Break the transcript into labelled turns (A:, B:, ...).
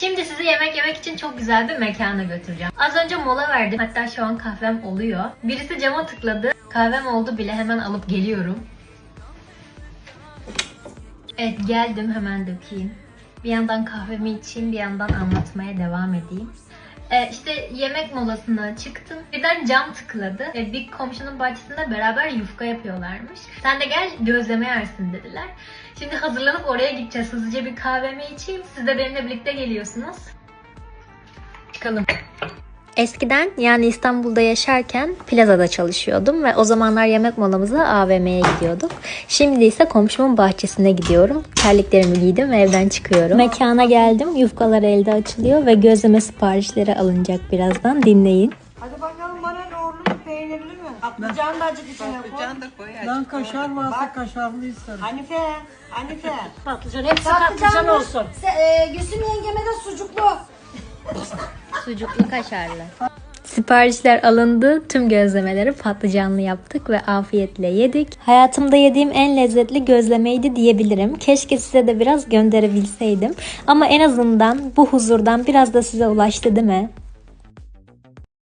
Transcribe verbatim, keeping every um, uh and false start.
A: Şimdi sizi yemek yemek için çok güzel bir mekana götüreceğim. Az önce mola verdim. Hatta şu an kahvem oluyor. Birisi cama tıkladı. Kahvem oldu bile, hemen alıp geliyorum. Evet, geldim, hemen dökeyim. Bir yandan kahvemi içeyim, bir yandan anlatmaya devam edeyim. Ee, işte yemek molasına çıktım. Birden cam tıkladı. Ee, bir komşunun bahçesinde beraber yufka yapıyorlarmış. Sen de gel gözleme yersin dediler. Şimdi hazırlanıp oraya gideceğiz. Hızlıca bir kahvemi içeyim. Siz de benimle birlikte geliyorsunuz. Çıkalım. Eskiden, yani İstanbul'da yaşarken plazada çalışıyordum ve o zamanlar yemek molamıza A V M'ye gidiyorduk. Şimdi ise komşumun bahçesine gidiyorum. Terliklerimi giydim ve evden çıkıyorum. Mekana geldim. Yufkalar elde açılıyor ve gözleme siparişleri alınacak birazdan. Dinleyin.
B: Hadi bakalım, bana yoğurtlu mu, peynirli mi? Patlıcan da acık içine koy.
C: Patlıcan da koy.
D: Ben kaşar varsa kaşarlı isterim.
B: Hanife, Hanife.
E: Patlıcan, hepsi patlıcan olsun.
B: Se- e, Gülsüm yengeme de sucuklu.
A: Sucuklu kaşarlı. Siparişler alındı. Tüm gözlemeleri patlıcanlı yaptık ve afiyetle yedik. Hayatımda yediğim en lezzetli gözlemeydi diyebilirim. Keşke size de biraz gönderebilseydim. Ama en azından bu huzurdan biraz da size ulaştı, değil mi?